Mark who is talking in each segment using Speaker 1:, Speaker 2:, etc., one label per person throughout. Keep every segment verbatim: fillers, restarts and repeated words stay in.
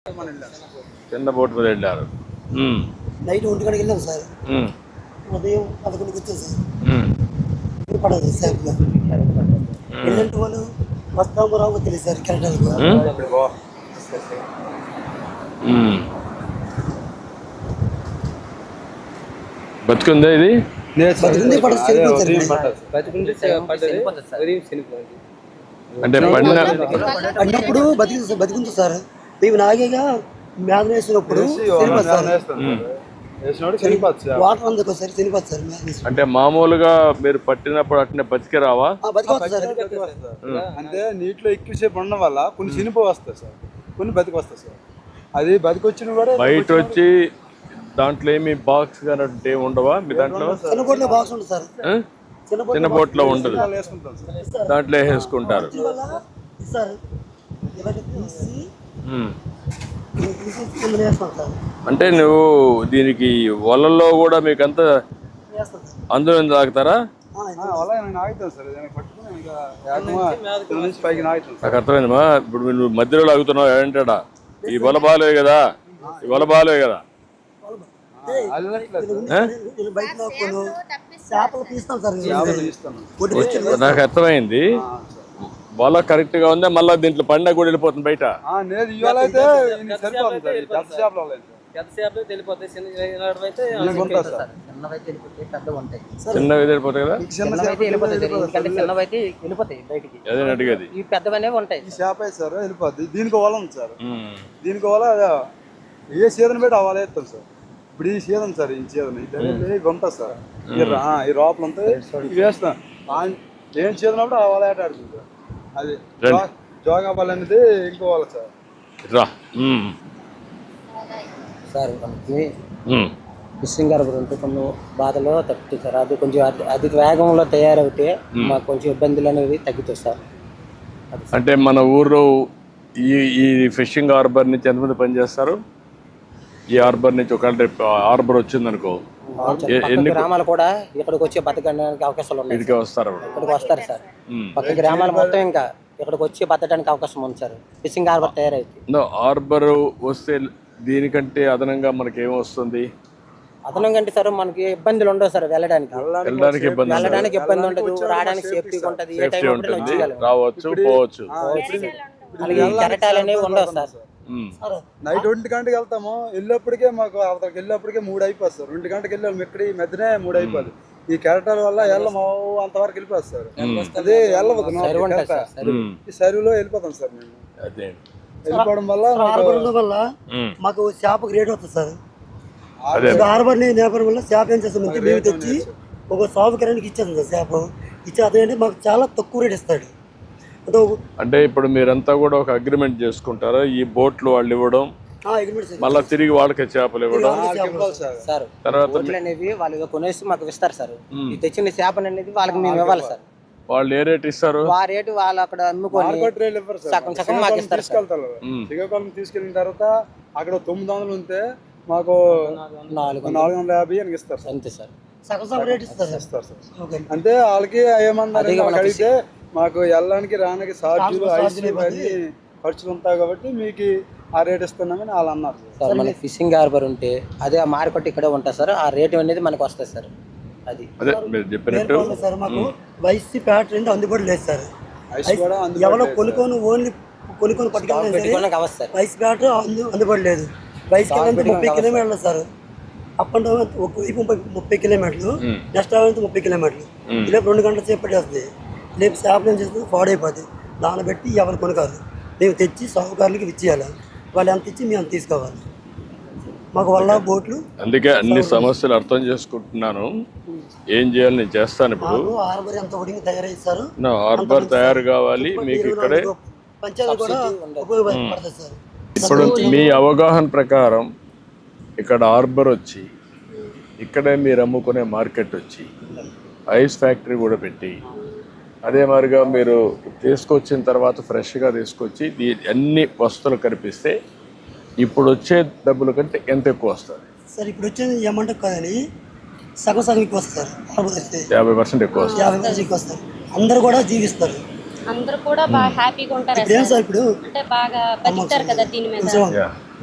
Speaker 1: చిన్న బోట్ మీద వెళ్ళారు.
Speaker 2: నైట్ ఒంటి గంటకి వెళ్ళాం సార్. ఉదయం పదకొండుకి వచ్చాం సార్. పడదు సేఫ్గా వెళ్ళంటే వాళ్ళు వస్తాము రావు తెలియదు సార్. కెనడాలకు
Speaker 1: బతుకుందా ఇది? అంటే
Speaker 2: పడినప్పుడు బతికి బతికుంది సార్. మేము నాగేగా మ్యాథ్ వేసినప్పుడు వాటర్ అందుకు ఒకసారి చనిపోతుంది సార్.
Speaker 1: అంటే మామూలుగా మీరు పట్టినప్పుడు అట్నే బతికే రావా?
Speaker 3: అంటే నీటిలో ఎక్కువసేపు ఉండడం వల్ల కొన్ని చనిపో వస్తాయి సార్, కొన్ని బతికి వస్తాయి సార్. అది బతికి వచ్చిన కూడా
Speaker 1: బయట వచ్చి దాంట్లో ఏమి బాక్స్ కానీ ఉండవా మీ దాంట్లో?
Speaker 2: చిన్న బోట్లో బాక్స్ ఉంటుంది సార్.
Speaker 1: చిన్న బోట్లో ఉండదు, దాంట్లో వేసుకుంటారు. అంటే నువ్వు దీనికి వలల్లో కూడా మీకు అంతా అందులో తాగుతారా? నాకు అర్థమైందమ్మా. ఇప్పుడు నువ్వు మధ్యలో లాగుతున్నావు ఏంటాడా? ఈ వల బాలే కదా, ఈ వల బాలే కదా. నాకు అర్థమైంది. వల కరెక్ట్ గా ఉందా? మళ్ళీ దీంట్లో పండుగ కూడా వెళ్ళిపోతుంది బయట. చిన్నవి వెళ్ళిపోతాయి కదా, అదే అడిగేది.
Speaker 3: దీనికి వల ఉంది సార్, దీనికి వల ఏ సీజన్ పెట్టి అవ్వాలి వేస్తాం సార్. ఇప్పుడు ఈ సీజన్ సార్, ఈ సీజన్ ఇవి ఉంటుంది సార్. ఈ లోపల అంతా వేస్తాం. ఏం సీజన్ అప్పుడు ఆ వల ఆట ఆడుతుంది సార్. అది జోగా బాల్ అనేది ఇంకో వాళ్ళ సార్.
Speaker 2: సార్ మనకి ఫిషింగ్ హార్బర్ ఉంటే కొన్ని బాధలో తగ్గుతుంది సార్. అది కొంచెం అధిక వేగంలో తయారవుతే మాకు కొంచెం ఇబ్బందులు అనేవి తగ్గుతాయి సార్.
Speaker 1: అంటే మన ఊర్లో ఈ ఈ ఫిషింగ్ హార్బర్ నుంచి ఎంతమంది పనిచేస్తారు? ఈ హార్బర్ నుంచి ఒకవేళ రేపు హార్బర్ వచ్చింది అనుకో,
Speaker 2: ఎన్ని గ్రామాలు కూడా ఇక్కడికి వచ్చి బతకడానికి అవకాశాలు ఉన్నాయి.
Speaker 1: ఇక్కడికి వస్తారు,
Speaker 2: ఇక్కడికి వస్తారు సార్. పక్క గ్రామాలు మొత్తం ఇంకా ఇక్కడికి వచ్చి బతకడానికి అవకాశం ఉంది సార్. ఫిషింగ్ హార్బర్ తయారైతే
Speaker 1: హార్బర్ వస్తే దీనికంటే అదనంగా మనకి ఏమొస్తుంది?
Speaker 2: అదనంగా అంటే సార్ మనకి ఇబ్బందులు ఉండవు సార్. వెళ్ళడానికి
Speaker 1: వెళ్ళడానికి ఇబ్బంది
Speaker 2: వెళ్ళడానికి ఇబ్బంది ఉండదు, రావడానికి సేఫ్టీగా ఉంటుంది. ఏ టైం
Speaker 1: ఉంటుంది, రావచ్చు పోవచ్చు.
Speaker 2: కెరటాలు అనేవి ఉండవు సార్.
Speaker 3: నైట్ ఒంటి గంటకి వెళ్తాము, వెళ్ళేప్పటికే మాకు అవతలకి వెళ్ళేప్పటికే మూడు అయిపోతుంది సార్. ఒంటి గంటకి వెళ్ళాము, ఇక్కడ ఈ మధ్యనే మూడు అయిపోదు. ఈ కెరటాల వల్ల వెళ్ళము అంతవరకు వెళ్ళిపోతుంది సార్. అదే వెళ్ళవద్దు, ఈ సరువులో వెళ్ళిపోతాం సార్. మేము వెళ్ళిపోవడం వల్ల వల్ల మాకు చేపకు రేట్ వస్తుంది సార్. హార్బర్ నేపథ్యం వల్ల చేప ఏం చేస్తాం అంటే మేము తెచ్చి ఒక సాగు కిరానికి ఇచ్చేస్తాం సార్. చేప ఇచ్చే అదేంటే మాకు చాలా తక్కువ రేట్ ఇస్తాడు.
Speaker 1: అంటే ఇప్పుడు మీరంతా కూడా ఒక అగ్రిమెంట్ చేసుకుంటారా? ఈ బోట్లు వాళ్ళు ఇవ్వడం, మళ్ళీ తిరిగి వాళ్ళకి చేపలు ఇవ్వడం,
Speaker 2: తర్వాత అనేవి వాళ్ళు కొనేసి మాకు ఇస్తారు సార్. ఈ తెచ్చిన చేపలు అనేది వాళ్ళకి మేము ఇవ్వాలి సార్.
Speaker 1: వాళ్ళు ఏ రేట్ ఇస్తారు?
Speaker 2: ఆ రేటు వాళ్ళు అక్కడ అమ్ముకొని సగం సగం మాకు ఇస్తారు.
Speaker 3: శ్రీకాకుళం తీసుకెళ్ళిన తర్వాత అక్కడ తొమ్మిది వందలు ఉంటే మాకు నాలుగు నాలుగు వందల యాభై అని ఇస్తారు సార్.
Speaker 2: అంతే సార్, సగం సగం రేట్ ఇస్తారు
Speaker 3: సార్. అంటే వాళ్ళకి ఏమన్నారు అడిగితే మాకు వెళ్ళడానికి రానికి ఛార్జీలు ఐసీ ఖర్చులు ఉంటాయి కాబట్టి మీకు ఆ రేట్ ఇస్తున్నామని వాళ్ళు అన్నారు
Speaker 2: సార్. మనకి ఫిషింగ్ హార్బర్ ఉంటే అదే ఆ మార్కెట్ ఇక్కడే ఉంటుంది సార్. ఆ రేట్ అనేది మనకు వస్తుంది సార్. అది సార్ మాకు వైసీ ప్యాట్ రెండు అందుబాటులో లేదు సార్. ఎవరో కొనుక్కొని ఓన్లీ కొనుక్కొని పట్టుకెళ్ళి వైస్ ప్యాట్ అందుబాటు లేదు. వైస్ కిలోమీటర్ ముప్పై కిలోమీటర్లు సార్. అప్ అండ్ డౌన్ ఒక వైపు ముప్పై ముప్పై కిలోమీటర్లు, నెక్స్ట్ అవైతే ముప్పై కిలోమీటర్లు. ఇలా రెండు గంటల సేపు పట్టేస్తుంది. రేపు చేపలు ఏం చేస్తుంది, పాడైపోతుంది. దాన్ని బట్టి ఎవరు కొనుక్కోరు. మేము తెచ్చి సాగుకారులకి ఇచ్చేయాలి. వాళ్ళు ఎంత ఇచ్చి మేము అంత తీసుకోవాలి. మాకు వల్ల బోట్లు.
Speaker 1: అందుకే అన్ని సమస్యలు అర్థం చేసుకుంటున్నాను. ఏం చేయాలి నేను చేస్తాను. ఇప్పుడు
Speaker 2: హార్బర్ ఎంత ఒడిగి తయారైస్తారు.
Speaker 1: హార్బర్ తయారు కావాలి మీకు ఇక్కడే.
Speaker 2: పంచాయతీ కూడా ఉపయోగపడుతుంది సార్.
Speaker 1: ఇప్పుడు మీ అవగాహన ప్రకారం ఇక్కడ హార్బర్ వచ్చి ఇక్కడే మీరు అమ్ముకునే మార్కెట్ వచ్చి ఐస్ ఫ్యాక్టరీ కూడా పెట్టి అదే మాదిరిగా మీరు తీసుకొచ్చిన తర్వాత ఫ్రెష్గా తీసుకొచ్చి అన్ని వస్తువులు కనిపిస్తే ఇప్పుడు వచ్చే డబ్బుల కంటే ఎంత ఎక్కువ వస్తుంది
Speaker 2: సార్? ఇప్పుడు వచ్చేది ఏమంటే కదని సగం సగం ఎక్కువ వస్తుంది.
Speaker 1: యాభై పర్సెంట్ ఎక్కువ వస్తుంది.
Speaker 2: యాభై పర్సెంట్ ఎక్కువ వస్తారు. అందరు కూడా జీవిస్తారు.
Speaker 4: అందరూ కూడా బాగా హ్యాపీగా ఉంటారు.
Speaker 2: ఇప్పుడు
Speaker 4: అంటే బాగా బతుకుతారు కదా దీని మీద.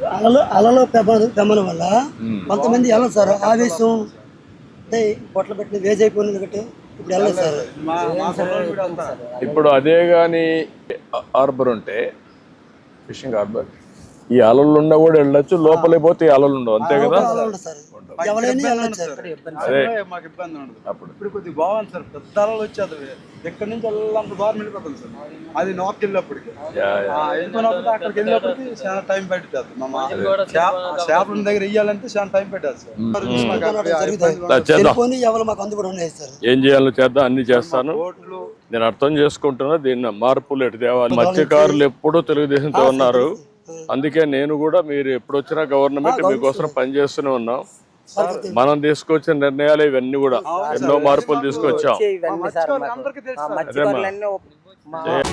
Speaker 2: అలలో అలలో పెమ పెమ్మన వల్ల కొంతమంది వెళ్ళదు సార్, ఆవేశం అంటే పొట్ల పెట్టిన వేజ్ అయిపోయింది కాబట్టి ఇప్పుడు వెళ్ళదు సార్.
Speaker 3: మా మా సొంతూరు కూడా వెళ్తారు.
Speaker 1: ఇప్పుడు అదే కానీ హార్బర్ ఉంటే ఫిషింగ్ హార్బర్ ఈ అలలు ఉన్నా కూడా వెళ్ళొచ్చు, లోపలికి పోతే ఈ అలలు ఉండవు, అంతే కదా.
Speaker 2: అలా ఉండదు సార్, ఎవరైనా వెళ్ళదు సార్.
Speaker 1: అదే
Speaker 3: మాకు ఇబ్బంది ఉండదు.
Speaker 1: అప్పుడు
Speaker 3: ఇప్పుడు కొద్దిగా బాగుంది సార్, పెద్ద అలలు వచ్చేది ఎక్కడి నుంచి వెళ్ళాలంత దూరం వెళ్ళిపోతుంది సార్. అది నార్త్ వెళ్ళినప్పటికి
Speaker 1: యా, యా.
Speaker 3: వెళ్ళిపోయినప్పుడు అక్కడికి వెళ్ళినప్పటికి చాలా టైం పడుతుంది. మా చేపల దగ్గర వెయ్యాలంటే చాలా టైం పెట్టాలి సార్. మాకు అక్కడ
Speaker 1: చేద్దాం,
Speaker 2: టెలిఫోన్ ఎవరు మాకు అందుబాటులో ఉన్నాయి సార్.
Speaker 1: ఏం చేయాలో చేద్దాం, అన్ని చేస్తాను.
Speaker 3: బోట్లు
Speaker 1: నేను అర్థం చేసుకుంటున్నా దీన్ని మార్పులు ఎటు తేవాలి. మత్స్యకారులు ఎప్పుడూ తెలుగుదేశంతో ఉన్నారు, అందుకే నేను కూడా మీరు ఎప్పుడు వచ్చినా గవర్నమెంట్ మీకోసం పనిచేస్తూనే ఉన్నాం. మనం తీసుకొచ్చిన నిర్ణయాలు ఇవన్నీ కూడా ఎన్నో మార్పులు తీసుకొచ్చాం.
Speaker 2: ఇవన్నీ సార్ మాకు.
Speaker 3: అందరికీ తెలుసు
Speaker 2: ఆ మత్స్యకారులన్నీ ఒప్- మా